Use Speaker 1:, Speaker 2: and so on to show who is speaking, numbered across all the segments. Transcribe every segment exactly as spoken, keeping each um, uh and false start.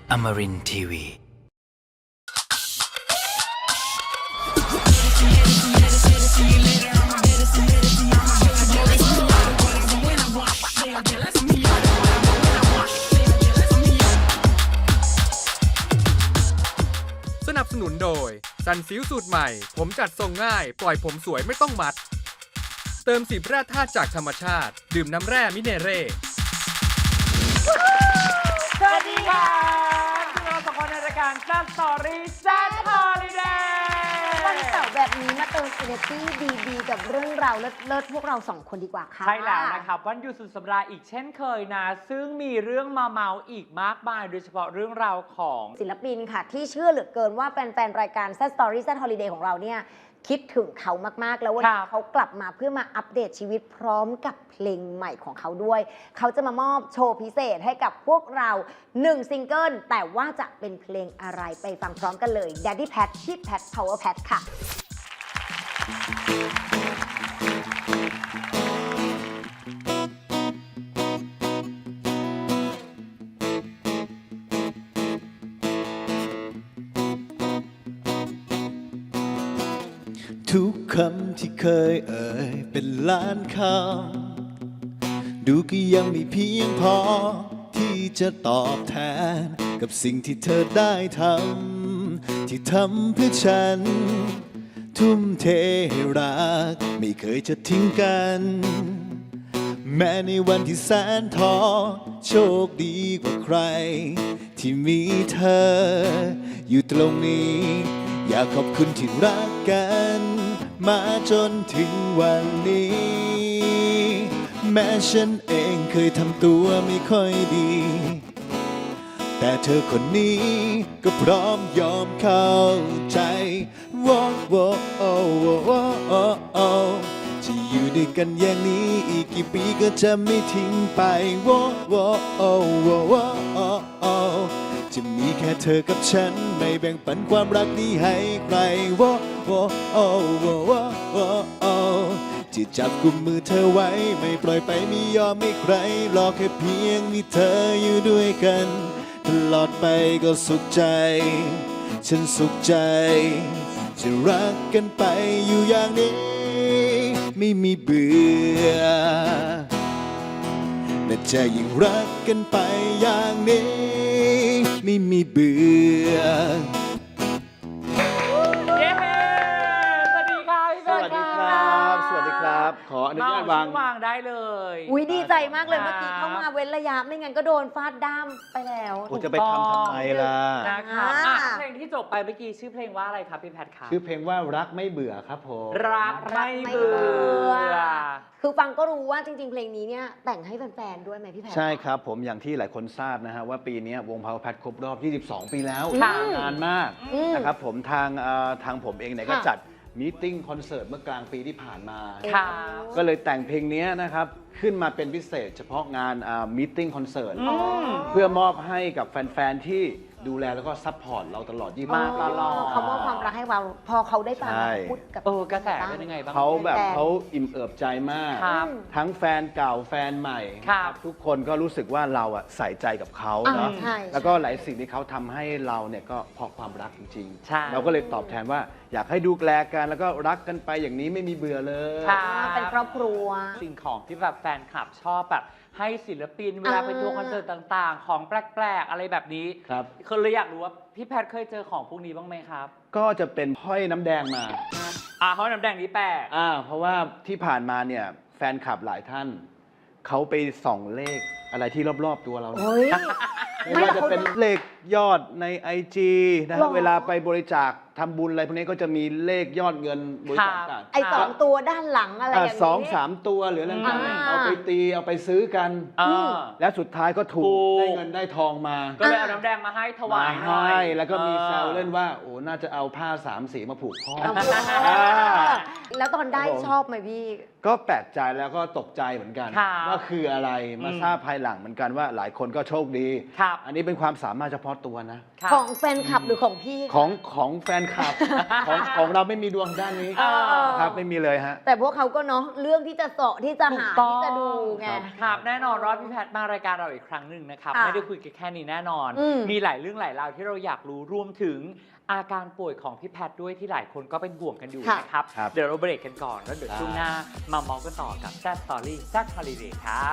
Speaker 1: Amarin ที วี
Speaker 2: สนับสนุนโดยซันซิลสูตรใหม่ผมจัดทรงง่ายปล่อยผมสวยไม่ต้องมัดเติมสิบแร่ธาตุจากธรรมชาติดื่มน้ำแร่มิเนเร่
Speaker 3: สวัสดีค่ะเราสองคนในรายการ Sad Story Sad Holiday
Speaker 4: วันเสาร์แบบนี้มาเติม energy ดีๆกับเรื่องราวเลิศๆพวกเราสองคนดีกว่าค่ะ
Speaker 3: ใช่แล้วนะครับวันหยุดสุดสัปดาห์อีกเช่นเคยนะซึ่งมีเรื่องมาเมาอีกมากมายโดยเฉพาะเรื่องราวของ
Speaker 4: ศิลปินค่ะที่เชื่อเหลือเกินว่าแฟนๆรายการ Sad Story Sad Holiday ของเราเนี่ยคิดถึงเขามากๆแล้ววันนี้เขากลับมาเพื่อมาอัปเดตชีวิตพร้อมกับเพลงใหม่ของเขาด้วยเขาจะมามอบโชว์พิเศษให้กับพวกเราหนึ่งซิงเกิลแต่ว่าจะเป็นเพลงอะไรไปฟังพร้อมกันเลย Daddy Pat ที่ Pat Power Pat ค่ะ
Speaker 5: ทุกคำที่เคยเอ่ยเป็นล้านคำดูก็ยังไม่เพียงพอที่จะตอบแทนกับสิ่งที่เธอได้ทำที่ทำเพื่อฉันทุ่มเทให้รักไม่เคยจะทิ้งกันแม้ในวันที่แสนท้อโชคดีกว่าใครที่มีเธออยู่ตรงนี้อยากขอบคุณที่รักกันมาจนถึงวันนี้แม้ฉันเองเคยทำตัวไม่ค่อยดีแต่เธอคนนี้ก็พร้อมยอมเข้าใจว่าว่าโอ้ว่าโอ้โอ้จะอยู่ด้วยกันอย่างนี้อีกกี่ปีก็จะไม่ทิ้งไปว่าว่าโอ้ว่าโอ้โอ้จะมีแค่เธอกับฉันไม่แบ่งปันความรักนี้ให้ใครว่าว่าโอ้ว่าว่าโอ้จะจับกุมมือเธอไว้ไม่ปล่อยไปไม่ยอมให้ใครรอแค่เพียงมีเธออยู่ด้วยกันตลอดไปก็สุขใจฉันสุขใจจะรักกันไปอยู่อย่างนี้ไม่มีเบื่อและจะยิ่งรักกันไปอย่างนี้ไม่มีเบื่อ
Speaker 3: เย้สวัสดีค่ะพี่
Speaker 5: สวัสดีครับสวัสดีครับขออนุญาตวาง
Speaker 3: วางได้เลย
Speaker 4: อุ้ยดีใจมากเลยเมื่อกี้เข้ามาเว้นระยะไม่งั้นก็โดนฟาดด้ามไปแล้ว
Speaker 5: โอ้จะไปทำทำไมล่ะ
Speaker 3: นะครับอ่ะเพลงที่จบไปเมื่อกี้ชื่อเพลงว่าอะไรครับพี่แพทครับ
Speaker 5: ชื่อเพลงว่ารักไม่เบื่อครับผม
Speaker 3: รักไม่เบื่อ
Speaker 4: คือฟังก็รู้ว่าจริงๆ เพลงนี้เนี่ยแต่งให้แฟนๆ ด้วยไหมพี่แพท
Speaker 5: ใช่ครับผมอย่างที่หลายคนทราบนะฮะว่าปีนี้วง Power Pat ครบรอบยี่สิบสองปีแล้ว
Speaker 4: ค่ะ
Speaker 5: นานมาก
Speaker 4: อืม
Speaker 5: นะครับผมทางเอ่อทางผมเองเนี่ยก็
Speaker 4: ค่ะ
Speaker 5: จัดมีตติ้งคอนเสิร์ตเมื่อกลางปีที่ผ่านมา
Speaker 3: ค่ะ
Speaker 5: ก็เลยแต่งเพลงนี้นะครับขึ้นมาเป็นพิเศษเฉพาะงานมีตติ้งคอนเสิร์ตเพื่อมอบให้กับแฟนๆที่ดูแลแล้วก็ซัพพอร์ตเราตลอดยี่สิบ
Speaker 3: มากตลอด
Speaker 4: เขามอบความรักให้เราพอเขาได้ฟัง
Speaker 5: ใช่
Speaker 4: พูดกับ
Speaker 3: เออกระแสเป็นยังไงบ้าง
Speaker 5: เขาแบบ
Speaker 4: แฟน
Speaker 5: เขาอิ่มเอิบใจมาก
Speaker 3: ครับ
Speaker 5: ทั้งแฟนเก่าแฟนใหม่
Speaker 3: ครับ
Speaker 5: ทุกคนก็รู้สึกว่าเราอะใส่ใจกับเขาเนาะ
Speaker 4: อ่าใช่
Speaker 5: แล้วก็หลายสิ่งที่เขาทำให้เราเนี่ยก็เพราะความรักจริง
Speaker 3: ใช่
Speaker 5: ๆ เราก็เลยตอบแทนว่าอยากให้ดูแลกันแล้วก็รักกันไปอย่างนี้ไม่มีเบื่อเลย
Speaker 3: ค่ะ
Speaker 4: เป็นครอบครัว
Speaker 3: สิ่งของที่แบบแฟนคลับชอบแบบให้ศิลปินเวลาไปทัวร์คอนเสิร์ตต่างๆ ของแปลกๆ อะไรแบบนี้
Speaker 5: ครับ
Speaker 3: คือเลยอยากรู้ว่าพี่แพทเคยเจอของพวกนี้บ้างไหมครับ
Speaker 5: ก็จะเป็นห้อยน้ำแดงมา
Speaker 3: อ่าเขาน้ำแดงนี้แปลก
Speaker 5: อ่าเพราะว่าที่ผ่านมาเนี่ยแฟนคลับหลายท่านเขาไปส่องเลขอะไรที่รอบๆตัวเราเนี่ย
Speaker 4: เฮ้ย
Speaker 5: ไม่ว่าจะเป็นเลขยอดใน ไอ จี นะ
Speaker 4: หร
Speaker 5: ฮะ
Speaker 4: อ
Speaker 5: เวลาไปบริจาคทำบุญอะไรพวกนี้ก็จะมีเลขยอดเงินบริจาคต่าง
Speaker 4: ไอ้สองตัวด้านหลังอะไรอย่างนี้
Speaker 5: สองสามตัวหรืออะไรต่าง
Speaker 4: อ่า
Speaker 5: ๆเอาไปตีเอาไปซื้อกัน
Speaker 3: อ่า
Speaker 5: แล้วสุดท้ายก็ถู
Speaker 3: ถู
Speaker 5: ก
Speaker 3: ก
Speaker 5: ได้เงินได้ทองมา
Speaker 3: ก็เลยเอาน้ำแดงมาให้ถวายหน่อ
Speaker 5: ให้
Speaker 3: ย
Speaker 5: แล้วก็มี
Speaker 3: ออ
Speaker 5: แซวเล่นว่าโอ้น่าจะเอาผ้าสามสีมาผูกข้อ
Speaker 4: เอาไป
Speaker 5: อ่า
Speaker 4: แล้วตอนได้
Speaker 5: ครับผม
Speaker 4: ชอบไหมพี่
Speaker 5: ก็แปลกใจแล้วก็ตกใจเหมือนกัน
Speaker 3: ครับ
Speaker 5: ว่าคืออะไรมา
Speaker 3: อืม
Speaker 5: ทราบภายหลังเหมือนกันว่าหลายคนก็โชคดี
Speaker 3: ครับ
Speaker 5: อันนี้เป็นความสามารถเฉพาะตัวนะ
Speaker 3: ครับ
Speaker 4: ของแฟนคลับหรือของพี่คะ
Speaker 5: ของของแฟนคลับ ของของเราไม่มีดวงด้านนี้
Speaker 3: เออ
Speaker 5: ครับไม่มีเลยฮะ
Speaker 4: แต่พวกเขาก็เนาะเรื่องที่จะเสาะที่จะหา
Speaker 3: ถูกต้อง
Speaker 4: ที่จะดูไง
Speaker 3: ครับแน่นอนว่าพี่แพทย์มารายการเราอีกครั้งหนึ่งนะครับ
Speaker 4: ค่ะ
Speaker 3: ไม่ได้คุยกันแค่นี้แน่นอน
Speaker 4: อืม
Speaker 3: มีหลายเรื่องหลายราวที่เราอยากรู้รวมถึงอาการป่วยของพี่แพทย์ด้วยที่หลายคนก็เป็นห่วงกันอยู่
Speaker 4: ค่ะ
Speaker 3: นะครับ
Speaker 5: ครับ
Speaker 3: เดี๋ยวเราเบรกกันก่อนแล้วเดี๋ยวช่วงหน้ามาเมาส์กันต่อกับแซ่บสตอรี่แซ่บฮอลิเดย์ครับ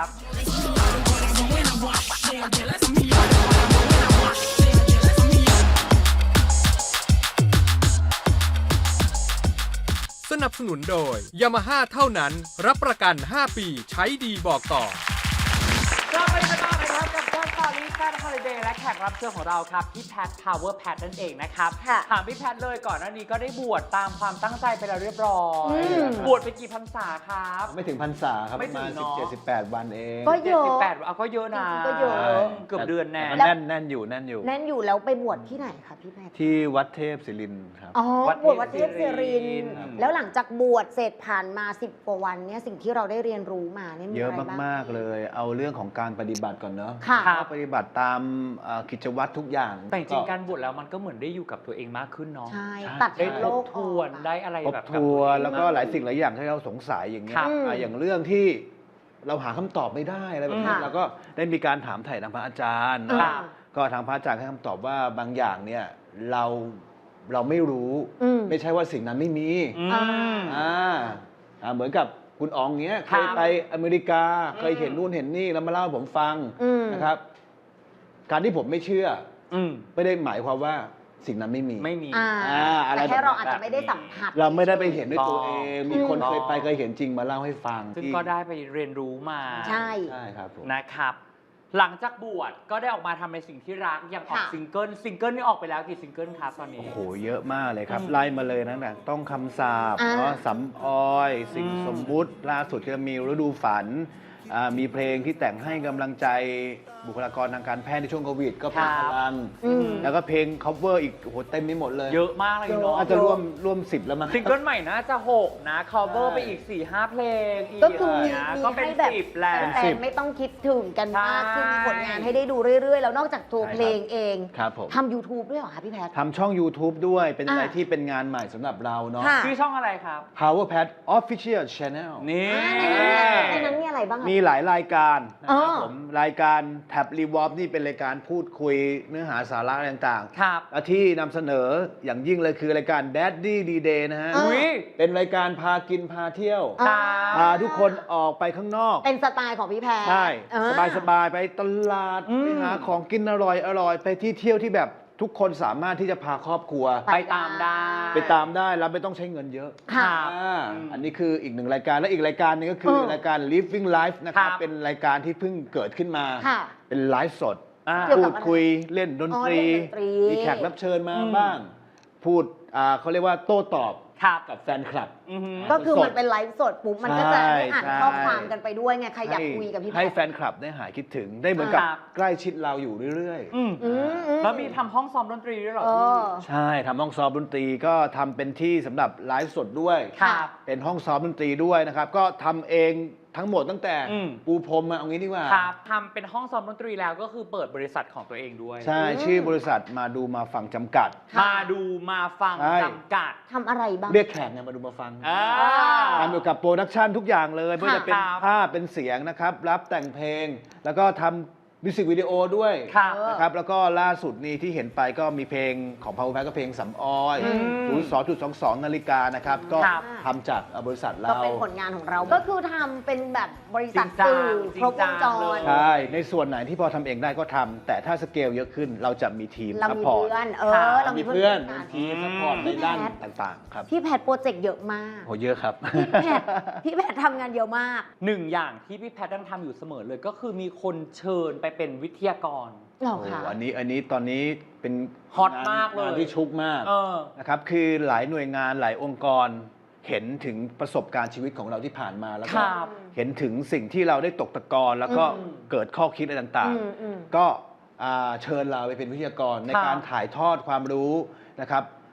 Speaker 2: สนับสนุนโดย Yamaha เท่านั้น รับประกัน ห้า ปี ใช้ดีบอกต่อ
Speaker 3: กลับไปกันต่อนะครับกับแซ่บสตอรี่แซ่บฮอลิเดย์และแขกรับเชิญของเราครับพี่แพทย์ Power Pat นั่นเองนะครับ
Speaker 4: ค่ะ
Speaker 3: ถามพี่แพทย์เลยก่อนหน้านี้ก็ได้บวชตามความตั้งใจไปแล้วเรียบร้อย
Speaker 4: อืม
Speaker 3: บวชไปกี่พรรษาครับ
Speaker 5: ไม่ถึงพรรษาครับ
Speaker 3: ไม่
Speaker 5: ประ
Speaker 3: ถึ
Speaker 5: มาง ณ
Speaker 3: เน
Speaker 5: สิบ
Speaker 3: อะ
Speaker 5: เจ็ดสิบแปดวันเอง
Speaker 4: ก็เยอะ
Speaker 3: สิบแปดเอาก็เยอะนะ
Speaker 4: จริงๆก็เยอะ
Speaker 3: เกือบเดือนแน่
Speaker 5: แต่ก็แน่นแน่นอยู่แน่นอยู่
Speaker 4: แน่นอยู่แล้วไปบวชที่ไหนคะพี่แพทย์
Speaker 5: ที่วัดเทพศิรินทร์ครับ
Speaker 4: อ๋อ
Speaker 3: วัด
Speaker 4: บวชวัดเทพ
Speaker 3: เทพศิ
Speaker 4: ศิ
Speaker 3: ริ
Speaker 4: ริ
Speaker 3: น
Speaker 4: น
Speaker 3: ทร์
Speaker 4: ทร์
Speaker 3: ครับ
Speaker 4: แล้วหลังจากบวชเสร็จผ่านมาสิบกว่าวันเนี่ยสิ่งที่เราได้เรียนรู้มาเนี่ยมี
Speaker 5: เยอะ
Speaker 4: อะไรบ้าง
Speaker 5: มาก ๆ เลย เอาเรื่องของการปฏิบัติก่อนเนาะ
Speaker 4: ค่ะ
Speaker 5: ก็ปฏิบัติตามเอ่อกิจวัตรทุกอย่าง
Speaker 3: แต่จริงๆการบวชแล้วมันก็เหมือนได้อยู่กับตัวเองมากขึ้นเนาะ
Speaker 4: ใช่
Speaker 5: ใช่
Speaker 4: ตัด
Speaker 3: ได้
Speaker 4: โล
Speaker 3: ทบ
Speaker 4: ก
Speaker 3: ทวนได้อะไร
Speaker 5: ทบ
Speaker 3: แบบกับ
Speaker 5: ทวน
Speaker 3: ตัเอง
Speaker 5: แล้วก็หลายสิ่งหลายอย่างที่เราสงสัยอย่างเงี้ย
Speaker 3: ครับ
Speaker 5: อ่ะอย่างเรื่องที่เราหาคำตอบไม่ได้อะไรแบบนี้
Speaker 4: ค่ะ
Speaker 5: เราก็ได้มีการถามไถ่ทางพระอาจารย์
Speaker 4: อืม
Speaker 5: นะก็ทางพระอาจารย์ให้คำตอบว่าบางอย่างเนี่ยเราเราไม่รู้
Speaker 4: อืม
Speaker 5: ไม่ใช่ว่าสิ่งนั้นไม่มี
Speaker 3: อืม
Speaker 4: อ่า
Speaker 5: อ่าอ่าเหมือนกับคุณอ๋องเงี้ย
Speaker 3: ค
Speaker 5: เครับ ยไปอเมริกา เคยเห็นนู่นเห็นนี่แล้วมาเล่าให้ผมฟัง
Speaker 4: อืม
Speaker 5: นะครับ การที่ผมไม่เชื่อ
Speaker 3: อืม
Speaker 5: ไม่ได้หมายความว่าสิ่งนั้นไม่มี
Speaker 3: ไม่มี
Speaker 4: อ่า
Speaker 5: อ่าอะไร
Speaker 4: แต่แค่เรา
Speaker 5: แบบนั้น
Speaker 4: อาจจะไม่ได้สัมผัส
Speaker 5: เราไม่ได้ไปเห็นด้วยตัว
Speaker 3: ถูกต้
Speaker 5: เอ
Speaker 3: อง
Speaker 5: ง มีคน
Speaker 3: ถูกต้อง
Speaker 5: เคยไปเคยเห็นจริงมาเล่าให้ฟัง
Speaker 3: ซึ่ง
Speaker 5: ที่
Speaker 3: ก็ได้ไปเรียนรู้มา
Speaker 4: ใช่
Speaker 5: ใช่ครับผม
Speaker 3: นะครับ หลังจากบวชก็ได้ออกมาทำในสิ่งที่รักอย่างออก
Speaker 4: ค่ะ
Speaker 3: ซิงเกิลซิงเกิลนี่ออกไปแล้วกี่ซิงเกิลครับตอนนี้
Speaker 5: โอ้โห เยอะมากเลยครับ
Speaker 3: อืม
Speaker 5: ไล่มาเลยนะเนี่ยต้องคำสาบ
Speaker 4: อ่า
Speaker 5: เนาะสำออย สิ่ง
Speaker 3: อืม
Speaker 5: สมมุติล่าสุดก็มีฤดูฝันอ่ามีเพลงที่แต่งให้กำลังใจบุคลากรทางการแพทย์ในช่วงโควิด ก็เป็นพลัง
Speaker 4: อืม
Speaker 5: แล้วก็เพลง cover อีกโอ้โหเต็มไปหมดเลย
Speaker 3: เยอะมากเลยเนาะ
Speaker 5: อาจจะร่วมร่วมสิบแล้วมั้ง
Speaker 3: ซิงเกิลใหม่น่าจะหกนะ cover
Speaker 5: ใช่
Speaker 3: ไปอีก สี่ห้า เพลงอีก
Speaker 4: ก็คือมี
Speaker 3: นะ
Speaker 4: มี
Speaker 3: ก็เป็น
Speaker 4: ให้แบบ
Speaker 3: สิบแล้ว
Speaker 4: แฟนๆไม่ต้องคิดถึงกันมาก
Speaker 3: ใช่
Speaker 4: คือมีผลงานให้ได้ดูเรื่อยๆ แล้วนอกจากตัว
Speaker 5: ใช่ครับ
Speaker 4: เพลงเอง
Speaker 5: ครับผม
Speaker 4: ทำ YouTube ด้วยเหรอคะพี่แพทย์
Speaker 5: ทำช่อง YouTube ด้วยเป็นอะไร
Speaker 4: อ่า
Speaker 5: ที่เป็นงานใหม่สำหรับเราเนาะ
Speaker 4: ค่ะ
Speaker 3: ชื่อช่องอะไรครับ
Speaker 5: Power Pad Official Channel
Speaker 3: นี่
Speaker 4: อ่าในนั้นในนั้นมีอะไรบ้างอะ
Speaker 5: มีหลายรายการนะครับ
Speaker 4: อ๋อ
Speaker 5: ผมรายการแท็บรีวอ r นี่เป็นรายการพูดคุยเนื้อหาสาระอะไรต่าง
Speaker 3: ครับ
Speaker 5: ๆและที่นำเสนออย่างยิ่งเลยคือรายการ Daddy D-Day นะฮะ
Speaker 3: อุ้ย
Speaker 5: เป็นรายการพากินพาเที่ยว
Speaker 4: อ่า
Speaker 5: พาทุกคนออกไปข้างนอก
Speaker 4: เป็นสไตล์ของพี่แพทย์
Speaker 5: ใช่
Speaker 4: อ่
Speaker 5: สบายสบายๆไปตลาด
Speaker 3: อืม
Speaker 5: ไปหาของกินอร่อยอร่อยไปที่เที่ยวที่แบบทุกคนสามารถที่จะพาครอบครัว
Speaker 3: ไปตามได้
Speaker 5: ไปตามได้แล้วไม่ต้องใช้เงินเยอะ
Speaker 4: ค่ะ
Speaker 5: อ่า
Speaker 3: อืม
Speaker 5: อันนี้คืออีกหนึ่งรายการและอีกรายการหนึงก็คือ
Speaker 4: เออ
Speaker 5: รายการ Living Life นะครับ
Speaker 3: ครับ
Speaker 5: เป็นรายการที่เพิ่งเกิดขึ้นมา
Speaker 4: ค่ะ
Speaker 5: เป็นไลฟ์สด
Speaker 3: อ่า
Speaker 4: เกี่ยว
Speaker 5: พู
Speaker 4: กับ
Speaker 5: ด
Speaker 4: อะไร
Speaker 5: คุยเล่นดนตรี
Speaker 4: อ๋อเล่นดนตรี
Speaker 5: มีแขกรับเชิญมา
Speaker 3: อืม
Speaker 5: บ้าง พูดอ่าเขาเรียกว่าโต้ตอบ
Speaker 3: ครับ
Speaker 5: กับแฟนคลับ
Speaker 3: อือหือ
Speaker 4: ก็คือ
Speaker 5: สด
Speaker 4: มันเป็นไลฟ์สดปุ๊บมันก็จะ
Speaker 5: ใช่
Speaker 4: ได้อ่าน
Speaker 5: ใช่
Speaker 4: ข้อความกันไปด้วยไงใครอยาก
Speaker 5: ให้
Speaker 4: คุยกับพี่แพ
Speaker 5: ให้
Speaker 4: ทย์
Speaker 5: แฟนคลับได้หายคิดถึงได้เหมือนกับ
Speaker 3: ครับ
Speaker 5: ใกล้ชิดเราอยู่เรื่อย
Speaker 3: อืม
Speaker 4: อืมอื
Speaker 3: แล้วมีทำห้องซ้อมดนตรีด้วยเหรอ
Speaker 4: เอ
Speaker 3: พี่
Speaker 4: อ
Speaker 5: ๆ ใช่ทำห้องซ้อมดนตรีก็ทำเป็นที่สำหรับไลฟ์สดด้วย
Speaker 3: ครับ
Speaker 5: เป็นห้องซ้อมดนตรีด้วยนะครับ ก็ทำเองทั้งหมดตั้งแต่
Speaker 3: อืม
Speaker 5: ปูพรมมาเอางี้ดีกว่า
Speaker 3: ครับทำเป็นห้องซ้อมดนตรีแล้วก็คือเปิดบริษัทของตัวเองด้วย
Speaker 5: ใช่
Speaker 4: อืม
Speaker 5: ชื่อบริษัทมาดูมาฟังจำกัด
Speaker 3: มาดูมาฟัง
Speaker 5: ใช่
Speaker 3: จำกัด
Speaker 4: ทำอะไรบ้าง
Speaker 5: เรียกแขกเนี่ยมาดูมาฟัง
Speaker 3: อ่า
Speaker 5: ทำเกี่ยวกับโปรดักชันทุกอย่างเลยไม่ว่าจะเป็น
Speaker 3: ครับ
Speaker 5: ภาพเป็นเสียงนะครับ รับแต่งเพลง แล้วก็ทำมิวสิกวิดีโอด้วย
Speaker 3: ครับ
Speaker 5: นะครับแล้วก็ล่าสุดนี้ที่เห็นไปก็มีเพลงของ Power Pack ก็เพลงสำออย
Speaker 3: อืม
Speaker 5: ศูนย์สองจุดสองสองนาฬิกานะครับ ก็
Speaker 3: ครับ
Speaker 5: ทำจากบริษัท
Speaker 4: ก็
Speaker 5: เรา
Speaker 4: เป็นผลงานของเรา ก็คือทำเป็นแบบบริษัท
Speaker 3: จริงจัง
Speaker 4: สื่อ
Speaker 3: จริ
Speaker 4: ครง บ
Speaker 3: จั
Speaker 4: ว
Speaker 3: ง
Speaker 4: งจ
Speaker 3: เล
Speaker 4: ร
Speaker 3: ย
Speaker 5: ใช่ ในส่วนไหนที่พอทำเองได้ก็ทำแต่ถ้าสเกลเยอะขึ้นเราจะมีทีม
Speaker 4: เรา
Speaker 5: ซัพ
Speaker 4: มี
Speaker 5: พอร์ต
Speaker 4: เพื่อน เอ
Speaker 3: ครั
Speaker 4: อบ เรามี
Speaker 5: มี
Speaker 4: เพื่
Speaker 5: เพื่
Speaker 4: อ
Speaker 5: อน น
Speaker 4: กัน
Speaker 5: ทีมซัพพอร์ตในด้าน
Speaker 4: พี่แพท
Speaker 5: ต่างๆ ครับ
Speaker 4: พี่แพทโปรเจกต์เยอะมาก
Speaker 5: โหเยอะครับ
Speaker 4: พี่แพทพี่แพททำงานเยอะมาก
Speaker 3: หนึ่งอย่างที่พี่แพทย์ยังทำอยู่เสมอเลยก็คือมีคนเชิญไปเป็นวิทยากร
Speaker 4: เหรอ
Speaker 5: โอ้
Speaker 4: คะ
Speaker 5: อันนี้อันนี้ตอนนี้เป็น
Speaker 3: ฮอต
Speaker 5: งน
Speaker 3: มากเลย
Speaker 5: งนที่ชุกมาก
Speaker 3: เออ
Speaker 5: นะครับคือหลายหน่วยงานหลายองค์กรเห็นถึงประสบการณ์ชีวิตของเราที่ผ่านมาแล้ว
Speaker 3: ค
Speaker 5: ก็
Speaker 3: รับ
Speaker 5: เห็นถึงสิ่งที่เราได้ตกตะกอนแล้วก็
Speaker 3: อืม
Speaker 5: เกิดข้อคิดอะไรต่าง
Speaker 4: อืมอืม
Speaker 5: ๆ ก็อ่าเชิญเราไปเป็นวิทยากรใน
Speaker 3: ครับ
Speaker 5: การถ่ายทอดความรู้นะครับ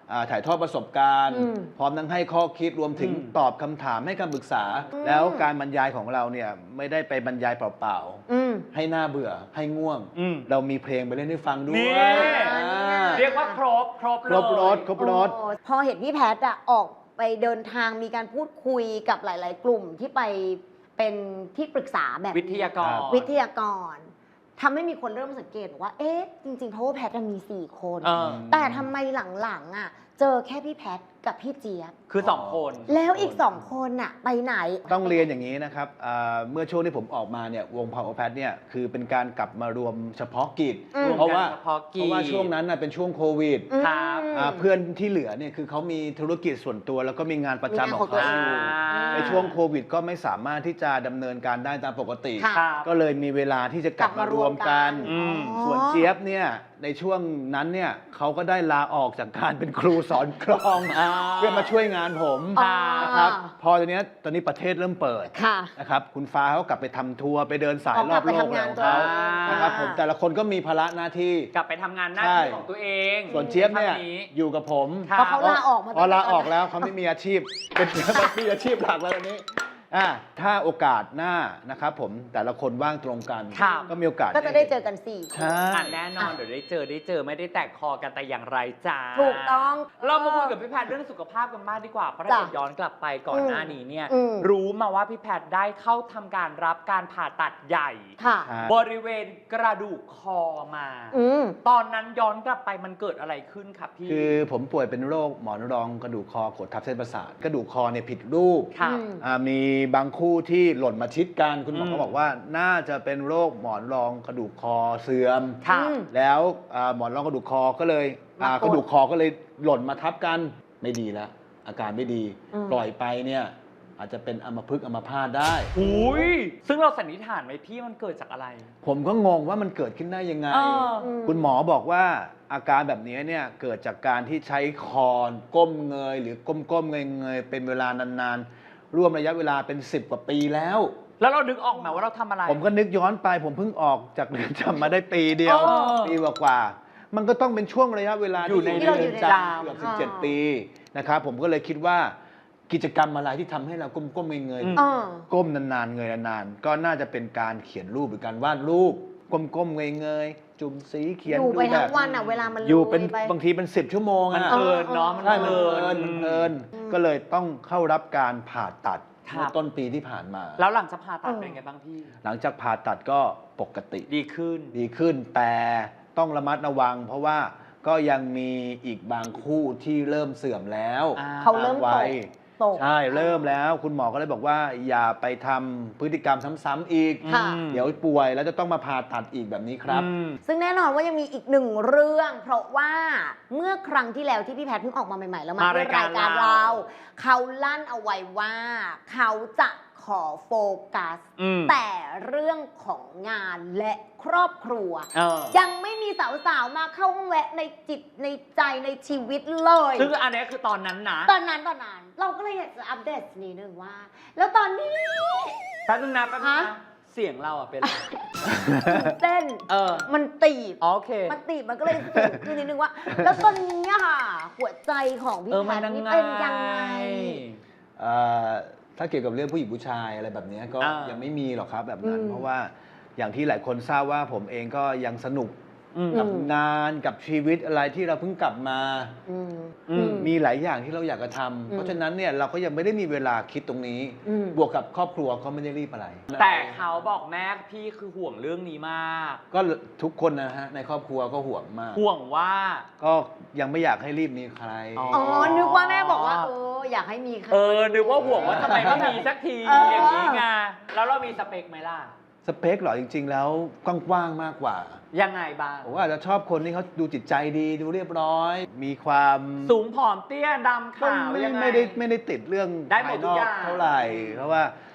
Speaker 5: อ่าถ่ายทอดประสบการณ์
Speaker 4: อืม
Speaker 5: พร้อมทั้งให้ข้อคิดรวมถึง
Speaker 3: อืม
Speaker 5: ตอบคำถามให้คำปรึกษา
Speaker 4: อืม
Speaker 5: แล้วการบรรยายของเราเนี่ยไม่ได้ไปบรรยายเปล่า
Speaker 4: อืม
Speaker 5: ๆให้หน้าเบื่อให้ง่วง
Speaker 3: อืม
Speaker 5: เรามีเพลงไปเล่นให้ฟังด้ว
Speaker 3: นี่
Speaker 5: ยอ่า
Speaker 3: เรียกว่าครบครบ
Speaker 5: ค
Speaker 3: เลย
Speaker 5: รบรถครบรถ
Speaker 4: โอ้พอเห็นพี่แพทย์อะออกไปเดินทางมีการพูดคุยกับหลาย ๆ กลุ่มที่ไปเป็นที่ปรึกษาแบบนี้
Speaker 3: วิทยากร
Speaker 4: วิทยากรทำให้มีคนเริ่มสังเกตว่า เอ๊ะ จริงๆ เพราะว่าแพทย์มีสี่คน
Speaker 3: เออ
Speaker 4: แต่ทำไมหลังๆอะเจอแค่พี่แพทย์กับพี่เจี๊ยบ
Speaker 3: คือสองคน
Speaker 4: แล้วอีกสองคนอะไปไหน
Speaker 5: ต้องเรียนอย่างนี้นะครับอ่าเมื่อช่วงที่ผมออกมาเนี่ยวง Power Pad เนี่ยคือเป็นการกลับมารวมเฉพาะกิจ
Speaker 4: อืม
Speaker 5: เพราะว่า
Speaker 3: เฉพาะกิจ
Speaker 5: เพราะว่าช่วงนั้นน่ะเป็นช่วงโควิด
Speaker 3: ครับ
Speaker 4: อืม
Speaker 5: อ่าเพื่อนที่เหลือเนี่ยคือเขามีธุรกิจส่วนตัวแล้วก็มีงานประจำของ
Speaker 4: มีงานของตัว
Speaker 5: เขา
Speaker 4: เอง
Speaker 5: อยู่
Speaker 3: อ่า
Speaker 5: ในช่วงโควิดก็ไม่สามารถที่จะดำเนินการได้ตามปกติ
Speaker 4: ค่ะ
Speaker 3: ครับ
Speaker 5: ก็เลยมีเวลาที่จะกลับมารวมกัน
Speaker 3: อืม
Speaker 4: อ๋อ
Speaker 5: ส่วนเจี๊ยบเนี่ยในช่วงนั้นเนี่ยเขาก็ได้ลาออกจากการเป็นครูสอนกลอง
Speaker 3: อ่า
Speaker 5: เพื่อมาช่วยงานผม
Speaker 4: อ๋อ
Speaker 5: นะครับพอตอนนี้ยตอนนี้ประเทศเริ่มเปิด
Speaker 4: ค่ะ
Speaker 5: นะครับคุณฟ้าเขากลับไปทำทัวร์ไปเดินสาย
Speaker 4: อ๋อ
Speaker 5: รอบ
Speaker 4: กลับไป
Speaker 5: โลก
Speaker 4: ทำงาน
Speaker 5: ของเขา
Speaker 3: ตัว
Speaker 5: นะครับผมแต่ละคนก็มีภาระหน้าที่
Speaker 3: กลับไปทำงานหน้า
Speaker 5: ใช่
Speaker 3: ที่ของตัวเอง
Speaker 5: ส่วนเจี๊ยบเนี่ย
Speaker 3: ทำนี้
Speaker 5: อยู่กับผม
Speaker 3: ครั
Speaker 4: เพราะเขาลาออกมา
Speaker 5: พอลา
Speaker 4: ตั้งแต่
Speaker 5: ออกแล้วเขาไม่มีอาชีพ เป็นมีอาชีพหลักแล้วตอนนี้อ่าถ้าโอกาสหน้านะครับผมแต่ละคนว่างตรงกัน
Speaker 3: ครับ
Speaker 5: ก็มีโอกาส
Speaker 4: ก็จะได้เจอกันสี่คน
Speaker 5: ใช่
Speaker 3: อ่ะแน่นอนเดี๋ยวได้เจอได้เจอไม่ได้แตกคอกันแต่อย่างไรจ้า
Speaker 4: ถูกต้อง
Speaker 3: เรามาคุยกับพี่แพทย์เรื่องสุขภาพกันบ้างดีกว่าเพราะถ้า
Speaker 4: จ้ะ
Speaker 3: เกิดย้อนกลับไปก่อนหน้านี้เนี่ย
Speaker 4: อืม
Speaker 3: รู้มาว่าพี่แพทย์ได้เข้าทำการรับการผ่าตัดใหญ่
Speaker 4: ค่ะ
Speaker 5: ใช่
Speaker 3: บริเวณกระดูกคอมา
Speaker 4: อืม
Speaker 3: ตอนนั้นย้อนกลับไปมันเกิดอะไรขึ้นครับพี่
Speaker 5: คือผมป่วยเป็นโรคหมอนรองกระดูกคอกดทับเส้นประสาทกระดูกคอเนี่ยผิดรูป
Speaker 3: ครับ
Speaker 4: อืม
Speaker 5: อ่ามีบางคู่ที่หล่นมาชิดกันคุณหมอ
Speaker 3: อืม
Speaker 5: ก็บอกว่าน่าจะเป็นโรคหมอนรองกระดูกคอเสื่อม
Speaker 3: ครับ
Speaker 4: อืม
Speaker 5: แล้วอ่าหมอนรองกระดูกคอก็เลยอ่าม
Speaker 4: ากด
Speaker 5: กระดูกคอก็เลยหล่นมาทับกันไม่ดีแล้วอาการไม่ดี
Speaker 4: อืม
Speaker 5: ปล่อยไปเนี่ยอาจจะเป็นอัมพฤกษ์อัมพาตได้
Speaker 3: อุ้ยซึ่งเราสันนิษฐานไหมพี่มันเกิดจากอะไร
Speaker 5: ผมก็งงว่ามันเกิดขึ้นได้ยังไง
Speaker 3: เออ
Speaker 5: คุณหมอบอกว่าอาการแบบนี้เนี่ยเกิดจากการที่ใช้คอนก้มเงย หรือก้มๆเงยๆเป็นเวลานานๆร่วมระยะเวลาเป็นสิบกว่าปีแล้ว
Speaker 3: แล้วเรานึกออกไหมว่าเราทำอะไร
Speaker 5: ผมก็นึกย้อนไป ผมเพิ่งออกจากเรือนจำมาได้ปีเดียว
Speaker 3: เออ
Speaker 5: ปีกว่าๆมันก็ต้องเป็นช่วงระยะเวลา
Speaker 3: อยู่ใน
Speaker 5: ที่
Speaker 3: เรือนจำ
Speaker 5: เกือบสิบเจ็ดปีนะครับผมก็เลยคิดว่ากิจกรรมอะไรที่ทำให้เราก้มๆเงย
Speaker 3: อืม
Speaker 5: ๆ
Speaker 4: อ่า
Speaker 5: ก้มนานๆเงยนานๆก็น่าจะเป็นการเขียนรูปหรือการวาดรูปก้มๆเงยๆจุ่มสีเขียน
Speaker 4: อยู่ไป
Speaker 5: ดูแบ
Speaker 4: ทั้
Speaker 5: บ
Speaker 4: งวันอ่ะ เวลามัน
Speaker 5: อยู่เป็น
Speaker 4: ลุไป
Speaker 5: บางทีเป็นสิบชั่วโมง
Speaker 3: มัน
Speaker 5: อะ
Speaker 3: เพลินเนาะมัน
Speaker 5: ใช่มัน
Speaker 3: เพ
Speaker 5: เพ
Speaker 3: ลิ
Speaker 5: ลิ
Speaker 3: น
Speaker 5: นมันเพลิน
Speaker 4: อืม
Speaker 5: ก็เลยต้องเข้ารับการผ่าตัด
Speaker 3: ครับ
Speaker 5: เมื่อต้นปีที่ผ่านมา
Speaker 3: แล้วหลังจากผ่าตัด
Speaker 4: เออ
Speaker 3: เป็นไงบ้างพี่
Speaker 5: หลังจากผ่าตัดก็ปกติ
Speaker 3: ดีขึ้น
Speaker 5: ดีขึ้นแต่ต้องระมัดระวัง เพราะว่าก็ยังมีอีกบางคู่ที่เริ่มเสื่อมแล้ว
Speaker 3: อ่า
Speaker 4: เขาเริ่ม
Speaker 5: ต
Speaker 4: ต
Speaker 5: วั
Speaker 4: ก
Speaker 5: ย
Speaker 4: ตก
Speaker 5: ใช่เริ่มแล้วคุณหมอก็เลยบอกว่าอย่าไปทำพฤติกรรมซ้ำๆอีก
Speaker 4: ค่ะ
Speaker 3: อืม
Speaker 5: เดี๋ยวป่วยแล้วจะต้องมาผ่าตัดอีกแบบนี้ครับ
Speaker 3: อืม
Speaker 4: ซึ่งแน่นอนว่ายังมีอีกหนึ่งเรื่อง เพราะว่าเมื่อครั้งที่แล้วที่พี่แพทย์เพิ่งออกมาใหม่ๆ แล้วมา
Speaker 3: มา
Speaker 4: ที่
Speaker 3: รายการ
Speaker 4: รายการ
Speaker 3: เรา
Speaker 4: เรา เขาลั่นเอาไว้ว่า เขาจะขอโฟกัส
Speaker 3: อืม
Speaker 4: แต่เรื่องของงานและครอบครัว
Speaker 3: เออ
Speaker 4: ยังไม่มีสาวๆ มาเข้าแวะในจิตในใจในชีวิตเลย
Speaker 3: ซึ่งอันนี้คือตอนนั้นนะ
Speaker 4: ตอนนั้นตอนนั้น เราก็เลยอยากจะอัปเดตนิดนึงว่า แล้วตอนนี้
Speaker 3: แป๊บนึงนะแป๊บนึง
Speaker 4: ฮะ
Speaker 3: นะเสียงเราอ่ะเป็นอะไร
Speaker 4: เต้น
Speaker 3: เออ
Speaker 4: มันตีบ
Speaker 3: อ๋อโอเค
Speaker 4: มันตีบมันก็เลยสูงขึ้นนิดนึงว่า แล้วตอนนี้อะค่ะ หัวใจของพี่
Speaker 3: เออ
Speaker 4: แพ
Speaker 3: มัน
Speaker 4: ทย์
Speaker 3: ยัง
Speaker 4: นี่
Speaker 3: ไง
Speaker 4: เป็นยังไง
Speaker 5: เอ่อถ้าเกี่ยวกับเรื่องผู้หญิงผู้ชายอะไรแบบนี้ก็
Speaker 3: อ่ายั
Speaker 5: ยังไม่มีหรอกครับแบบนั้น
Speaker 4: อืม
Speaker 5: เพราะว่าอย่างที่หลายคนทราบว่าผมเองก็ยังสนุก
Speaker 3: อืม
Speaker 5: กับ
Speaker 4: อืม
Speaker 5: งานกับชีวิตอะไรที่เราเพิ่งกลับมา
Speaker 4: อืม
Speaker 3: อืม
Speaker 5: มีหลายอย่างที่เราอยากจะทำ
Speaker 4: อืม
Speaker 5: เพราะฉะนั้นเนี่ยเราก็ยังไม่ได้มีเวลาคิดตรงนี้
Speaker 4: อืม
Speaker 5: บวกกับครอบครัวก็ไม่ได้รีบอะไร
Speaker 3: แต่เขาบอกแม่พี่คือห่วงเรื่องนี้มาก
Speaker 5: ก็ทุกคนนะฮะในครอบครัวก็ห่วงมาก
Speaker 3: ห่วงว่า
Speaker 5: ก็ยังไม่อยากให้รีบมีใคร
Speaker 3: อ๋อ
Speaker 4: อ๋อ นึกว่าแม่บอกว่า เออ อยากให้มีใคร
Speaker 3: เออ นึกว่าห่วงว่าทำไมไม่มีสักที
Speaker 4: เออ
Speaker 3: อย่างนี้ไง แล้วเรามีสเปคไหมล่ะ
Speaker 5: สเปคเหรอจริง ๆ แล้วกว้างๆมากกว่า
Speaker 3: ยังไงบ้าง
Speaker 5: ผมว่าอาจจะชอบคนที่เขาดูจิตใจดีดูเรียบร้อย มีความ
Speaker 3: สูงผอมเตี้ยดำ
Speaker 5: ก็
Speaker 3: ขาว
Speaker 5: ไม่
Speaker 3: ยังไง
Speaker 5: ไม่ได้ไม่ได้ติดเรื่อง
Speaker 3: ได้หมด
Speaker 5: ภาย
Speaker 3: ทุ
Speaker 5: น
Speaker 3: ก
Speaker 5: อ
Speaker 3: อก ย่าง
Speaker 5: เท่าไหร่ เพราะว่า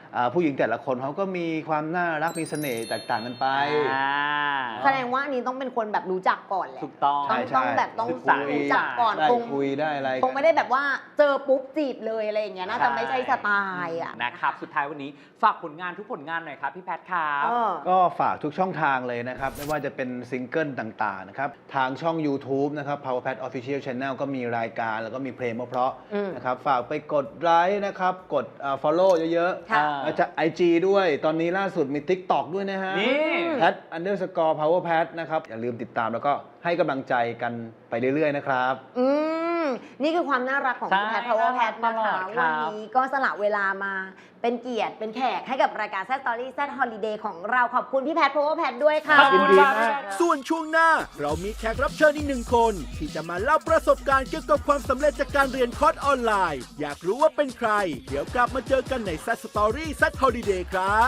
Speaker 5: อ่าผู้หญิงแต่ละคนเขาก็มีความน่ารักมีเสน่ห์แตกต่างกันไป
Speaker 3: อ่า
Speaker 4: แสดงว่าอันนี้ต้องเป็นคนแบบรู้จักก่อนแหละ
Speaker 3: ถูกต้อง
Speaker 5: ใช่
Speaker 4: ต้องต้องแบบต้อง
Speaker 3: ศึกษา
Speaker 4: รู้จักก่อน
Speaker 5: ได้
Speaker 4: คง
Speaker 5: คุยได้อะไร
Speaker 4: คงไม่ได้แบบว่าเจอปุ๊บจีบเลยอะไรอย่างเงี้ยน่าจะไม่ใช่สไตล์อ่ะ
Speaker 3: นะครับ สุดท้ายวันนี้ฝากผลงานทุกผลงานหน่อยครับ พี่แพทครับ
Speaker 4: เออ
Speaker 5: ก็ฝากทุกช่องทางเลยนะครับ ไม่ว่าจะเป็นซิงเกิลต่างๆนะครับ ทางช่อง YouTube นะครับ PowerPad Official Channel ก็มีรายการแล้วก็มีเพลงเพราะ
Speaker 4: อืม
Speaker 5: ๆนะครับ ฝากไปกดไลค์นะครับ กดอ่า follow เยอะ
Speaker 4: ค่ะ
Speaker 5: ๆแล้วจะ ไอ จี ด้วย ตอนนี้ล่าสุดมี TikTok ด้วยนะฮะ
Speaker 3: นี่
Speaker 5: Pat underscore PowerPad นะครับ อย่าลืมติดตามแล้วก็ให้กำลังใจกันไปเรื่อยๆนะครับ
Speaker 4: อืมนี่คือความน่ารักของพี่
Speaker 3: ใช่
Speaker 4: แพท Power Pat
Speaker 3: ต
Speaker 4: นะ
Speaker 3: ลอ
Speaker 4: คะ
Speaker 3: ดครั
Speaker 4: วัน
Speaker 3: บ
Speaker 4: นี้ก็สละเวลามาเป็นเกียรติเป็นแขกให้กับรายการ Sad Story Sad Holiday ของเราขอบคุณพี่แพท Power Pat ด้วยค่ะ
Speaker 3: ขอบคุณ
Speaker 5: ยินดี
Speaker 3: ครับ
Speaker 5: มาก
Speaker 1: ส่วนช่วงหน้าเรามีแขกรับเชิญอีกหนึ่งคน ที่จะมาเล่าประสบการณ์เกี่ยวกับความสำเร็จจากการเรียนคอร์สออนไลน์ อยากรู้ว่าเป็นใคร เดี๋ยวกลับมาเจอกันใน Sad Story Sad Holiday ครับ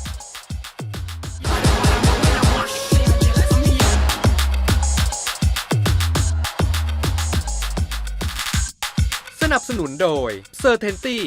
Speaker 2: สนับสนุนโดย c e r t a i n t y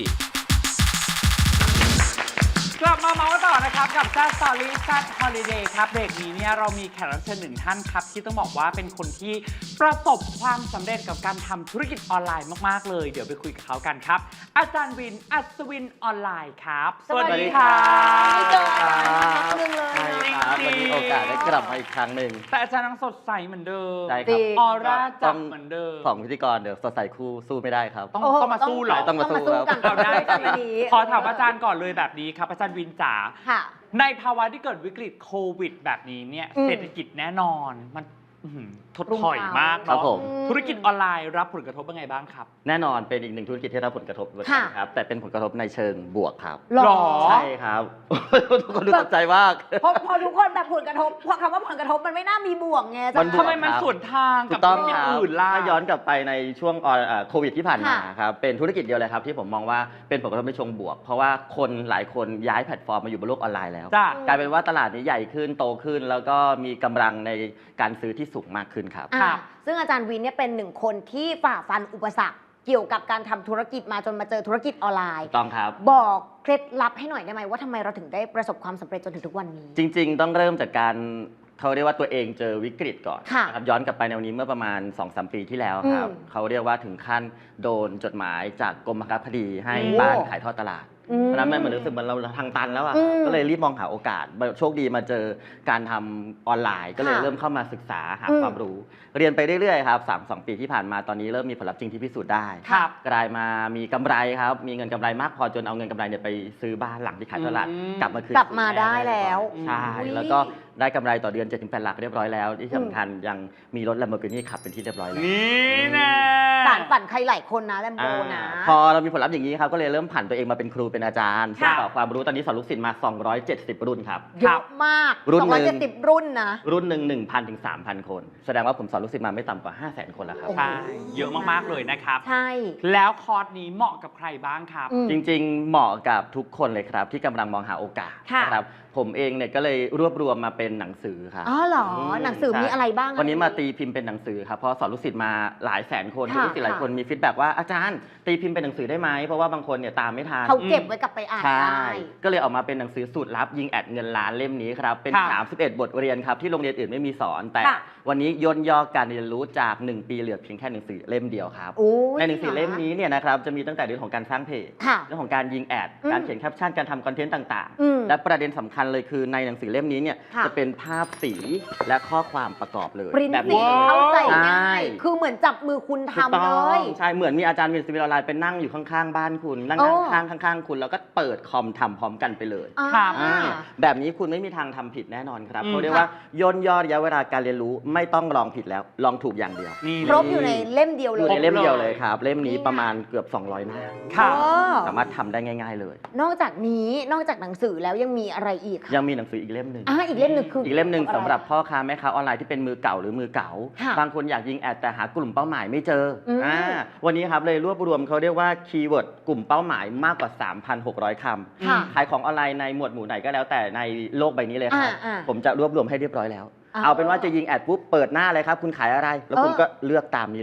Speaker 3: กลับมาเมาส์ต่อนะครับกับ Sad Story Sad Holiday ครับเบรกนี้เนี่ยเรามีแขกรับเชิญหนึ่งท่านครับที่ต้องบอกว่าเป็นคนที่ประสบความสำเร็จกับการทำธุรกิจออนไลน์มากๆเลยเดี๋ยวไปคุยกับเขากันครับ อาจารย์วินอัศวินออนไลน์ครับ
Speaker 4: สวัสดีค่ะ ไม่เจออาจารย์มาพักหนึงเลย
Speaker 6: ใช่
Speaker 4: เนาะ
Speaker 6: ครับวันนี้โอกาสได้กลับมาอีกครั้งหนึ่ง
Speaker 3: แต่อาจารย์ยังสดใสเหมือนเดิม
Speaker 6: ใช่ค
Speaker 4: จริ
Speaker 6: รับ
Speaker 4: ง
Speaker 3: ออร่าจับเหมือนเดิม
Speaker 6: สองพิธีกรเดี๋ยวสดใสคู่สู้ไม่ได้ครับ
Speaker 3: ต้อง
Speaker 4: โอ้โห
Speaker 3: ต้องมาสู้เหรอ
Speaker 6: ต้องมาสู้
Speaker 4: กัน
Speaker 3: เอาได้
Speaker 4: กัน
Speaker 3: สิ
Speaker 4: วันนี้
Speaker 3: ขอถามอาจารย์ก่อนเลยแบบนี้ครับอาจารย์วินจ๋า
Speaker 4: ค่ะ
Speaker 3: ในภาวะที่เกิดวิกฤตโควิดแบบนี้เนี่ย
Speaker 4: อืม
Speaker 3: เศรษฐกิจแน่นอนมันอื้อหือถดถอยมาก
Speaker 6: ครับ
Speaker 3: เนาะ
Speaker 6: ผม
Speaker 3: ธุรกิจออนไลน์รับผลกระทบยังไงบ้างครับ
Speaker 6: แน่นอนเป็นอีกหนึ่งธุรกิจที่ได้รับผลกระทบเหมือนกันครับ แต่เป็นผลกระทบในเชิงบวกครับ
Speaker 4: หรอ
Speaker 3: หรอ
Speaker 6: ใช่ครับ ทุกคนดูตกใจมาก
Speaker 4: พอพอทุกคนแบบผลกระทบพอคำว่าผลกระทบมันไม่น่ามีบวกไง
Speaker 6: มันบวก
Speaker 3: ทำไมมันสวนทาง
Speaker 6: ถู
Speaker 3: กับ
Speaker 6: กต้อง
Speaker 3: ธุรกิจ
Speaker 6: ครับ
Speaker 3: อื่นล่ะ
Speaker 6: ถ้าย้อนกลับไปในช่วงออนเอ่อโควิดที่ผ่านมา
Speaker 4: ค่ะ
Speaker 6: ครับเป็นธุรกิจเดียวเลยครับที่ผมมองว่าเป็นผลกระทบในเชิงบวก เพราะว่าคนหลายคนย้ายแพลตฟอร์มมาอยู่บนโลกออนไลน์แล้ว
Speaker 3: จ้ะ
Speaker 6: กลายเป็นว่าตลาดนี้ใหญ่ขึ้นโตขึ้น แล้วก็มีกำลังในการซื้อที่สูงมากขึ้นครับ
Speaker 4: อ่ะ
Speaker 3: ครับ
Speaker 4: ซึ่งอาจารย์วินเนี่ยเป็นหนึ่งคนที่ฝ่าฟันอุปสรรค เกี่ยวกับการทำธุรกิจมาจนมาเจอธุรกิจออนไลน์
Speaker 6: ถูกต้องครับ
Speaker 4: บอกเคล็ดลับให้หน่อยได้ไหมว่าทำไมเราถึงได้ประสบความสำเร็จจนถึงทุกวันนี้
Speaker 6: จริงๆ ต้องเริ่มจากการเขาเรียกว่าตัวเองเจอวิกฤตก่อน
Speaker 4: ค่ะ
Speaker 6: นะครับย้อนกลับไปในวันนี้เมื่อประมาณ สองสาม ปีที่แล้วครับ
Speaker 4: อืม
Speaker 6: เขาเรียกว่าถึงขั้นโดนจดหมายจากกรมบังคับคดีให้
Speaker 3: โอ้
Speaker 6: บ้านขายทอดตลาด
Speaker 4: อืม
Speaker 6: ตอนนั้นมันเหมือนรู้สึกเหมือนเราทางตันแล้วอะ
Speaker 4: อืม
Speaker 6: ก็เลยรีบมองหาโอกาสโชคดีมาเจอการทำออนไลน์ ก็เลย
Speaker 4: ค่ะ
Speaker 6: เริ่มเข้ามาศึกษาหา
Speaker 4: อืม
Speaker 6: ความรู้ เรียนไปเรื่อยๆครับสามสองปีที่ผ่านมาตอนนี้เริ่มมีผลลัพธ์จริงที่พิสูจน์ได้
Speaker 3: ครับ
Speaker 6: กลายมามีกำไรครับมีเงินกำไรมากพอจนเอาเงินกำไรเนี่ยไปซื้อบ้านหลังที่ขายตลาด
Speaker 3: อืม
Speaker 6: กลับมาคืน
Speaker 4: กลับมา
Speaker 6: สู่แ
Speaker 4: ได้แล้ว
Speaker 6: ใช่
Speaker 4: อุ๊ย
Speaker 6: แล้วก็ได้กำไรต่อเดือน เจ็ดถึงแปด หลักเรียบร้อยแล้ว ที่สำคัญยังมีรถ Lamborghini ขับเป็นที่เรียบร้อยแล้ว
Speaker 3: นี่แน่
Speaker 4: สารฝันใครหลายคนนะแลมโบ
Speaker 6: อ่า
Speaker 4: นะ
Speaker 6: พอเรามีผลลัพธ์อย่างนี้ครับ ก็เลยเริ่มผันตัวเองมาเป็นครูเป็นอาจารย์
Speaker 3: ค่ะ
Speaker 6: สอนความรู้ตอนนี้สอนลูกศิษย์มา สองร้อยเจ็ดสิบ รุ่นครับ
Speaker 4: เยอะมาก
Speaker 6: รุ่น
Speaker 4: สอง
Speaker 6: หนึ่
Speaker 4: ร้อย
Speaker 6: ง
Speaker 4: เจ็ดสิบรุ่นนะ
Speaker 6: รุ่นหนึ่ง หนึ่งพัน ถึง สามพัน คน แสดงว่าผมสอนลูกศิษย์มาไม่ต่ำกว่า ห้าแสน คนแล้วครับ
Speaker 4: โอ้โห
Speaker 3: ใช่เยอะมากๆเลยนะครับ
Speaker 4: ใช่
Speaker 3: แล้วคอร์สนี้เหมาะกับใครบ้างครับ
Speaker 4: อืม
Speaker 6: จริงๆ เหมาะกับทุกคนเลยครับที่กำลังมองหาโอกาส
Speaker 4: ค่ะ
Speaker 6: นะครับผมเองเนี่ยก็เลยรวบรวมมาเป็นหนังสือครับ
Speaker 4: อ๋อเหรอ
Speaker 6: ม
Speaker 4: หนังสือ
Speaker 6: ใช่
Speaker 4: มีอะไรบ้างอะ
Speaker 6: วันนี้มาตีพิมพ์เป็นหนังสือครับเพราะสอนลูกศิษย์มาหลายแสนคน
Speaker 4: ค่ะ
Speaker 6: ลูกศิษย์หลายคนมีฟีดแบ็กว่าอาจารย์ตีพิมพ์เป็นหนังสือได้ไหมเพราะว่าบางคนเนี่ยตามไม่ทัน
Speaker 4: เขาเก็บไว้กลับไปอ่าน
Speaker 6: ใช่
Speaker 4: ได้
Speaker 6: ก็เลยออกมาเป็นหนังสือสูตรลับยิงแอดเงินล้านเล่มนี้ครับเป็น
Speaker 3: ค่ะ
Speaker 6: สามสิบเอ็ด บทเรียนครับที่โรงเรียนอื่นไม่มีสอน แต่
Speaker 4: ค่ะ
Speaker 6: วันนี้ย่นย่อการเรียนรู้จากหนึ่งปีเหลือเพียงแค่หนังสือเล่มเดียวครับ
Speaker 4: โอ้ย
Speaker 6: ในหนังสือเล่มนี้เนี่ยนะครับจะมีตั้งแต่เรื่องของการสร้างเพจ
Speaker 4: ค่ะ
Speaker 6: เรื่องของการยิงแอด
Speaker 4: อืม
Speaker 6: การเขียนแคปชั่น การทำคอนเทนต์ต่าง
Speaker 4: อืม
Speaker 6: ๆ และประเด็นสำคัญเลยคือในหนังสือเล่มนี้เนี่ย
Speaker 4: ค่ะ
Speaker 6: จะเป็นภาพสีและข้อความประกอบเลย
Speaker 4: ปริ้น
Speaker 6: แบบ
Speaker 4: สี
Speaker 6: นี้
Speaker 4: เข้าใจ
Speaker 6: ใช่
Speaker 4: ง่ายคือเหมือนจับมือคุณ
Speaker 6: ถูก
Speaker 4: ทำ
Speaker 6: ต้
Speaker 4: เล
Speaker 6: อง
Speaker 4: ย
Speaker 6: ใช่เหมือนมีอาจารย์วินสวิลไลน์เป็นนั่งอยู่ข้างๆบ้านคุณนั่ง
Speaker 4: โอ้
Speaker 6: ข้างๆข้างๆคุณแล้วก็เปิดคอมทำพร้อมกันไปเลย
Speaker 3: ครับ
Speaker 4: อ่า
Speaker 6: อ่าแบบนี้คุณไม่มีทางทำผิดแน่นอนครับ
Speaker 3: อืม
Speaker 6: เขาเรียกว่าย่นย่อระยะเวลาการเรียนรู้ไม่ต้องลองผิดแล้วลองถูกอย่างเดียว
Speaker 3: นี่
Speaker 4: ครบอยู่ในเล่มเดียว
Speaker 6: อ
Speaker 4: เล
Speaker 6: ยู่
Speaker 4: ย
Speaker 6: ในเล่มเดียวเลย
Speaker 3: ครบเลย
Speaker 6: ครับ เล่มนี้
Speaker 4: นี่ไง
Speaker 6: ประมาณเกือบ สองร้อย หน้า
Speaker 3: ครับ
Speaker 4: เออ
Speaker 6: สามารถทำได้ง่าย ๆ เลย
Speaker 4: นอกจากนี้นอกจากหนังสือแล้วยังมีอะไรอีกคะ
Speaker 6: ยังมีหนังสืออีกเล่มหนึ่ง
Speaker 4: อ่าอีกเล่มหนึ่งคือ
Speaker 6: อี
Speaker 4: อี
Speaker 6: กเล่มหนึ่งสำหรับพ่อค้าแม่ค้าออนไลน์ที่เป็นมือเก่าหรือมือเก่า
Speaker 4: ค่ะ
Speaker 6: บางคนอยากยิงแอดแต่หากลุ่มเป้าหมายไม่เจออ
Speaker 4: ม
Speaker 6: อ่าวันนี้ครับเลยรวบรวมเขาเรียกว่าคีย์เวิร์ดกลุ่มเป้าหมายมากกว่า สามพันหกร้อย คำ
Speaker 4: ค่ะ
Speaker 6: ขายของออนไลน์ในหมวดหมู่ไหนก็แล้วแต่ในโลกใบนี้เลยครับ
Speaker 4: อ่าอ่า
Speaker 6: ผมจะรวบรวมให้เรียบร้อยแล้ว
Speaker 4: อ่า
Speaker 6: เอาเป็นว่าจะยิงแอดปุ๊บเปิดหน้าเลยครับ คุณขายอะไร แล้วคุณ
Speaker 4: เออ
Speaker 6: ก็เลือกตามนี้เลย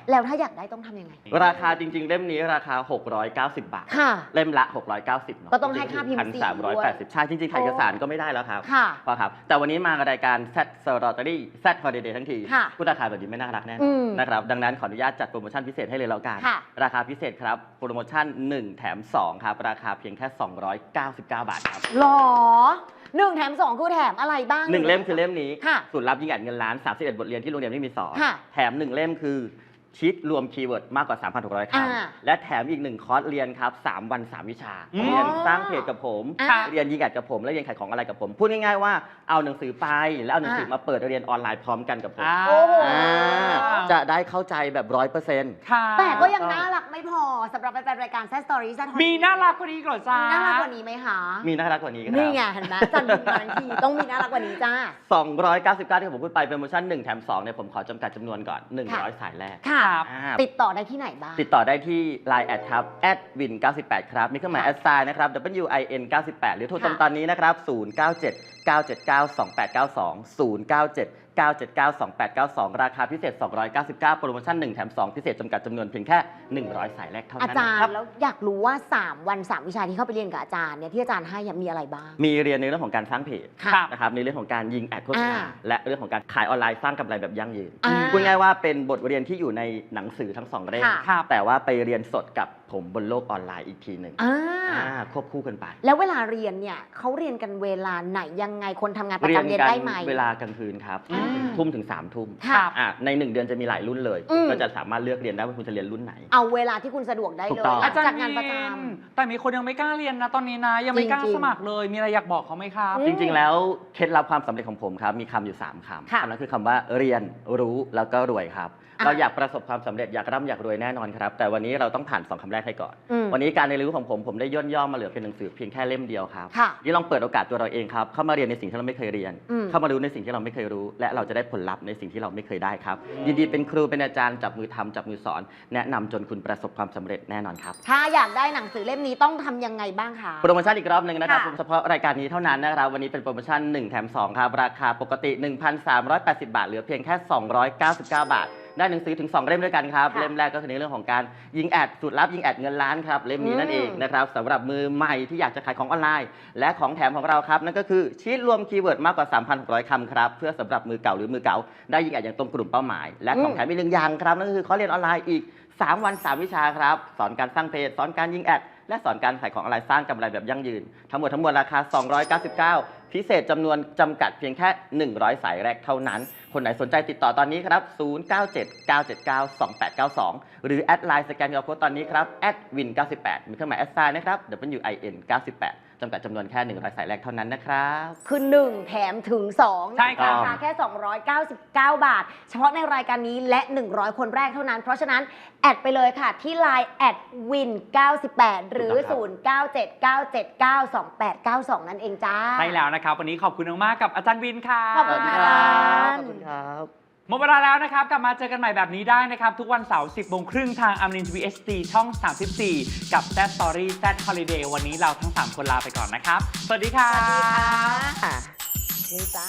Speaker 4: แล้วถ้าอยากได้ต้องทำยังไง
Speaker 6: ราคาจริง ๆ เล่มนี้ราคา หกร้อยเก้าสิบ บาท
Speaker 4: ค่ะ
Speaker 6: เล่มละ หกร้อยเก้าสิบเนาะ
Speaker 4: ก็ต้องให้ค่าพิมพ์
Speaker 6: พัน
Speaker 4: สี
Speaker 6: สามร้อย
Speaker 4: ด้ว
Speaker 6: แป
Speaker 4: ย
Speaker 6: ดสิบใช่จริงๆขายเอกสารก็ไม่ได้แล้วครับ
Speaker 4: ค่ะ
Speaker 6: พอครับ แต่วันนี้มารายการ Z Story Z Holiday ทั้งที
Speaker 4: ค่ะ
Speaker 6: พูดราคาแบบนี้ไม่น่ารักแน่น
Speaker 4: อื
Speaker 6: อน
Speaker 4: ม
Speaker 6: นะครับดังนั้นขออนุญาตจัดโปรโมชั่นพิเศษให้เลยแล้วกัน
Speaker 4: ค่ะ
Speaker 6: ราคาพิเศษครับโปรโมชั่นหนึ่งแถมสองครับราคาเพียงแค่สองร้อยเก้าสิบเก้า บาทครับ
Speaker 4: หรอหนึ่งแถมสองคือแถมอะไรบ้าง
Speaker 6: หนึ่งเล่มคือเล่มนี้
Speaker 4: ค่ะ
Speaker 6: สูตรลับยิงอัดเงินล้านสามสิบเอ็ดบทเรียนที่โรงเรียนไม่มีสอน
Speaker 4: ค่ะ
Speaker 6: แถมหนึ่งเล่มคือชีตรวมคีย์เวิร์ดมากกว่า สามพันหกร้อย
Speaker 4: อ่า
Speaker 6: คำและแถมอีกหนึ่งคอร์สเรียนครับสามวันสามวิชา
Speaker 3: อืม
Speaker 6: เรียนสร้างเพจกับผม
Speaker 4: อ่า
Speaker 6: เรียนยิงอัดกับผมและเรียนขายของอะไรกับผม พูดง่ายๆว่าเอาหนังสือไปแล้วเอาหนังสือมาเปิดเรียนออนไลน์พร้อมกันกับผม
Speaker 3: อ่า
Speaker 4: โอ้โห
Speaker 6: อ่าจะได้เข้าใจแบบร้อยเปอร์เซ็นต์
Speaker 3: ค่ะ
Speaker 4: แต่ก็ยังน่ารักไม่พอสำหรับแฟนๆรายการแซสตอรี่แซด
Speaker 3: มีน่ารักกว่านี้อีกเหรอจ้า
Speaker 4: มีน่ารักกว่านี้ไหมคะ
Speaker 6: มีน่ารักกว่านี้ครับ
Speaker 4: นี่ไงเห็นไหมจันทร์มาทันทีต้องมีน่ารักกว่านี้จ้า
Speaker 6: สองร้อยเก้าสิบเก้าที่ผมพูดไปโปรโมชั่นหนึ่งแถมสองเนี่ยผมขอจำกัดจำนวนก่อนหนึ่งร้อย
Speaker 4: ค่ะ
Speaker 6: สายแรก
Speaker 4: ค่ะ
Speaker 6: อ่า
Speaker 4: ติดต่อได้ที่ไหนบ้าง
Speaker 6: ติดต่อได้ที่ ไลน์ แอดครับ แอดวินเก้าสิบแปด ครับ มีเครื่องหมายแอดไซน์นะครับ W I N เก้าสิบแปด หรือโทรตรง
Speaker 4: ค่ะ
Speaker 6: ตอนนี้นะครับ ศูนย์ เก้า เจ็ด เก้า เจ็ด เก้า สอง แปด เก้า สอง ศูนย์ เก้า เจ็ด เก้า เจ็ด เก้า สอง แปด เก้า สอง ราคาพิเศษ สองร้อยเก้าสิบเก้า โปรโมชั่นหนึ่งแถมสองพิเศษจำกัดจำนวนเพียงแค่ หนึ่งร้อย สายแรกเท่า
Speaker 4: อา
Speaker 6: นั้น
Speaker 4: จาร
Speaker 6: นะครับ
Speaker 4: ย์แล้วอยากรู้ว่า สาม วัน สาม วิชาที่เข้าไปเรียนกับอาจารย์เนี่ยที่อาจารย์ให้มีอะไรบ้าง
Speaker 6: มีเรียนในเรื่องของการสร้างเพจ
Speaker 4: ค่ะ
Speaker 6: นะครับ ในเรื่องของการยิงแอดโฆษณา
Speaker 4: อ่า
Speaker 6: และเรื่องของการขายออนไลน์สร้างกำไรแบบยั่งยืน
Speaker 4: อ่า
Speaker 6: พูดง่ายๆว่าเป็นบทเรียนที่อยู่ในหนังสือทั้งสองเล่ม
Speaker 4: ค่ะ
Speaker 3: ครับ
Speaker 6: แต่ว่าไปเรียนสดกับผมบนโลกออนไลน์อีกทีหนึ่ง
Speaker 4: อ่า
Speaker 6: อ่าควบคู่กันไป
Speaker 4: แล้วเวลาเรียนเนี่ยเขาเรียนกันเวลาไหนยังไงคนทำงานประจำเรียน
Speaker 6: กั
Speaker 4: ได้ไหม
Speaker 6: เวลากลางคืนครับ
Speaker 4: อืม
Speaker 6: ทุ่มถึงสามทุ่ม
Speaker 4: ค่ะ
Speaker 6: อ่ะในหนึ่งเดือนจะมีหลายรุ่นเลย
Speaker 4: อืม
Speaker 6: ก็จะสามารถเลือกเรียนได้ว่าคุณจะเรียนรุ่นไหน
Speaker 4: เอาเวลาที่คุณสะดวกได้
Speaker 6: ถู
Speaker 4: เล
Speaker 6: กต้
Speaker 4: ย
Speaker 6: อง
Speaker 4: หลั
Speaker 3: อาง จาร
Speaker 4: จาก
Speaker 3: ย์
Speaker 4: งานประจ
Speaker 3: มินแต่มีคนยังไม่กล้าเรียนนะตอนนี้นะ ยังไม่กล้า
Speaker 4: จริงๆ
Speaker 3: สมัครเลย มีอะไรอยากบอกเขาไหมครับ
Speaker 4: อืม
Speaker 6: จริงๆ แล้วเคล็ดลับความสำเร็จของผมครับ มีคำอยู่ สามคำ
Speaker 4: ค่ะ
Speaker 6: คำนั้นคือคำว่าเรียนรู้แล้วก็รวยครับ
Speaker 4: อ่ะ
Speaker 6: เราอยากประสบความสำเร็จอยากร่ำอยากรวยแน่นอนครับ แต่วันนี้เราต้องผ่านสองคำแรกให้ก่อน
Speaker 4: อืม
Speaker 6: วันนี้การเรียนรู้ของผมผมได้ย่นย่อมาเหลือเป็นหนังสือเพียงแค่เล่มเดียวครับ
Speaker 4: ค่ะ
Speaker 6: นี่ลองเปิดโอกาสตัวเราเองครับเข้ามาเรียนในสิ่งที่เราไม่เคยเรียน
Speaker 4: อืม
Speaker 6: เข้ามารู้ในสิ่งที่เราไม่เคยรู้ และเราจะได้ผลลัพธ์ในสิ่งที่เราไม่เคยได้ครับยินดีเป็นครูเป็นอาจารย์จับมือทำจับมือสอน แนะนำจนคุณประสบความสำเร็จแน่นอนครับ
Speaker 4: ำถ้าอยากได้หนังสือเล่มนี้ต้องทำยังไงบ้างคะ
Speaker 6: โปรโมชั่นอีกรอบหนึ่งนะครับ
Speaker 4: ค่ะ
Speaker 6: เฉพาะรายการนี้เท่านั้นนะครับ วันนี้เป็นโปรโมชั่นหนึ่งแถมสองครับ ราคาปกติ หนึ่งพันสามร้อยแปดสิบ บาท เหลือเพียงแค่ สองร้อยเก้าสิบเก้า บาท ได้หนังสือถึง สอง เล่มด้วยกันครับ
Speaker 4: ค่ะ
Speaker 6: เล่มแรกก็คือในเรื่องของการยิงแอดสูตรลับยิงแอดเงินล้านครับ เล่มนี้นั่นเองนะครับสำหรับมือใหม่ที่อยากจะขายของออนไลน์ และของแถมของเราครับ นั่นก็คือชีทรวมคีย์เวิร์ดมากกว่า สามพันหกร้อย คำครับ เพื่อสำหรับมือเก่าหรือมือเก่า ได้ยิงแอดอย่างตรงกลุ่มเป้าหมาย และของแถมอีกหนึ่งอย่างครับ นั่นก็คือเขาเรียนออนไลน์อีก สาม วัน สาม วิชาครับ สอนการสร้างเพจ สอนการยิงแอด และสอนการขายของออนไลน์สร้างกำไรแบบยั่งยืน ทั้งหมดทั้งมวลราคา สองร้อยเก้าสิบเก้า พิเศษจำนวนจำกัดเพียงแค่ หนึ่งร้อย สายแรกเท่านั้น คนไหนสนใจติดต่อตอนนี้ครับ ศูนย์ เก้า เจ็ด เก้า เจ็ด เก้า สอง แปด เก้า สอง หรือแอดไลน์สแกน คิว อาร์ Code ตอนนี้ครับ แอดวินเก้าสิบแปด มีเครื่องหมายแอดไซน์นะครับ W I N เก้าสิบแปด จำกัดจำนวนแค่ หนึ่งร้อย สายแรกเท่านั้นนะครับ
Speaker 4: คือหนึ่งแถมถึงสอง
Speaker 3: ใช่ครับ
Speaker 4: ราคาแค่ สองร้อยเก้าสิบเก้า บาท เฉพาะในรายการนี้และ หนึ่งร้อย คนแรกเท่านั้น เพราะฉะนั้น แอดไปเลยค่ะ ที่ ไลน์ แอดวินเก้าสิบแปด หรือ
Speaker 6: ถูกต้องครับ
Speaker 4: ศูนย์ เก้า เจ็ด เก้า เจ็ด เก้า สอง แปด เก้า สอง นั่นเองจ้า
Speaker 3: ใช่แล้วนะครับ วันนี้ขอบคุณมากๆกับอาจารย์วินค่ะ
Speaker 4: ขอบคุณค่ะ
Speaker 6: ขอบคุณครับ
Speaker 3: หมดเวลาแล้วนะครับ กลับมาเจอกันใหม่แบบนี้ได้นะครับ ทุกวันเสาร์ สิบโมงครึ่งทางอมรินทร์ทีวี เอช ดี ช่อง สามสิบสี่ กับ Z Story Z Holiday วันนี้เราทั้งสามคนลาไปก่อนนะครับ สวัสดีค่ะ
Speaker 4: สวัสดีค่ะนี่จ้า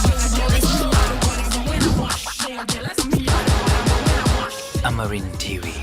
Speaker 7: Amarin Tiwi.